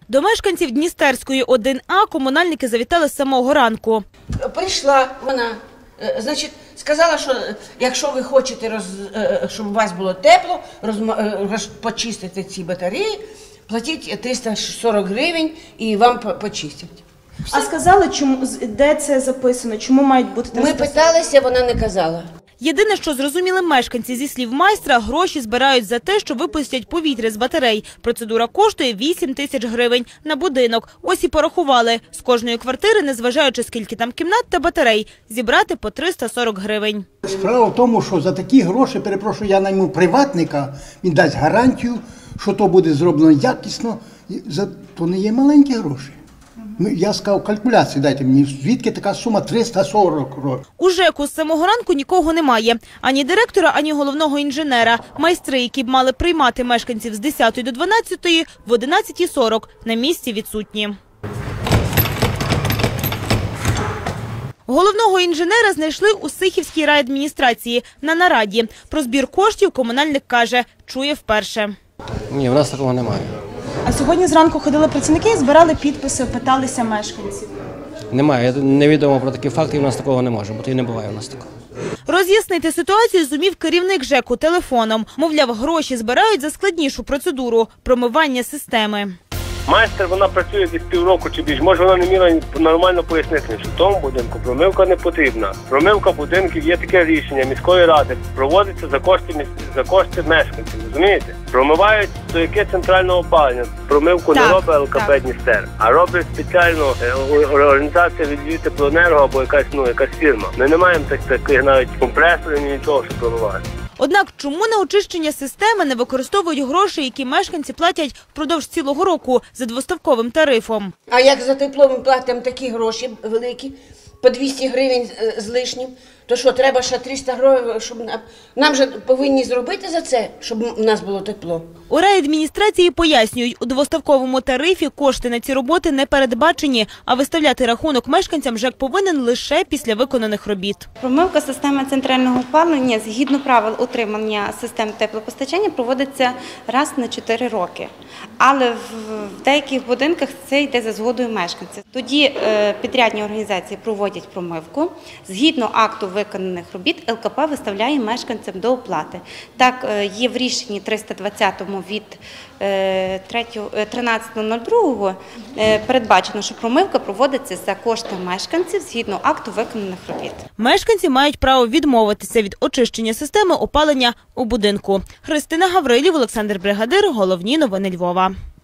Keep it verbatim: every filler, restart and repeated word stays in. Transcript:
До мешканців Дністерської один А комунальники завітали з самого ранку. Прийшла вона, значить, сказала, що якщо ви хочете, роз, щоб у вас було тепло, роз, почистити ці батареї, платіть триста сорок гривень і вам почистять. А сказали, чому, де це записано, чому мають бути триста сорок? Ми питалися, вона не казала. Єдине, що зрозуміли мешканці, зі слів майстра, гроші збирають за те, що випустять повітря з батарей. Процедура коштує вісім тисяч гривень на будинок. Ось і порахували. З кожної квартири, незважаючи скільки там кімнат та батарей, зібрати по триста сорок гривень. Справа в тому, що за такі гроші, перепрошую, я найму приватника, він дасть гарантію, що то буде зроблено якісно, то не є маленькі гроші. Я сказав, калькуляції дайте мені, звідки така сума триста сорок років. У ЖЕКу з самого ранку нікого немає. Ані директора, ані головного інженера. Майстри, які б мали приймати мешканців з десятої до дванадцятої, в одинадцятій сорок на місці відсутні. Головного інженера знайшли у Сихівській райадміністрації на нараді. Про збір коштів комунальник каже, чує вперше. Ні, в нас такого немає. А сьогодні зранку ходили працівники, збирали підписи, питалися мешканців. Немає, невідомо про такі факти, і в нас такого не може бути, і не буває в нас такого. Роз'яснити ситуацію зумів керівник ЖЕКу телефоном. Мовляв, гроші збирають за складнішу процедуру – промивання системи. Майстер, вона працює десь півроку чи більше. Може, вона не міла нормально пояснити, що в тому будинку промивка не потрібна. Промивка будинків є таке рішення міської ради. Проводиться за кошти, за кошти мешканців, розумієте? Промивають до яке центральне опалення. Промивку так, не робить Л К П Дністер, а робить спеціально організація від Львівтеплоенерго або якась, ну, якась фірма. Ми не маємо так, таких навіть компресорів, ні нічого, щоб промивати. Однак, чому на очищення системи не використовують гроші, які мешканці платять впродовж цілого року за двоставковим тарифом? А як за тепло ми платимо такі гроші великі, по двісті гривень з лишнім, то що, треба ще триста гривень, щоб нам, нам же повинні зробити за це, щоб у нас було тепло? У райадміністрації пояснюють, у двоставковому тарифі кошти на ці роботи не передбачені, а виставляти рахунок мешканцям ЖЕК повинен лише після виконаних робіт. Промивка системи центрального опалення згідно правил утримання систем теплопостачання проводиться раз на чотири роки. Але в деяких будинках це йде за згодою мешканців. Тоді підрядні організації проводять промивку. Згідно акту виконаних робіт Л К П виставляє мешканцям до оплати. Так, є в рішенні триста двадцятому від тринадцятого нуль другого передбачено, що промивка проводиться за кошти мешканців згідно акту виконаних робіт. Мешканці мають право відмовитися від очищення системи опалення у будинку. Христина Гаврилів, Олександр Бригадир. Головні новини Львова.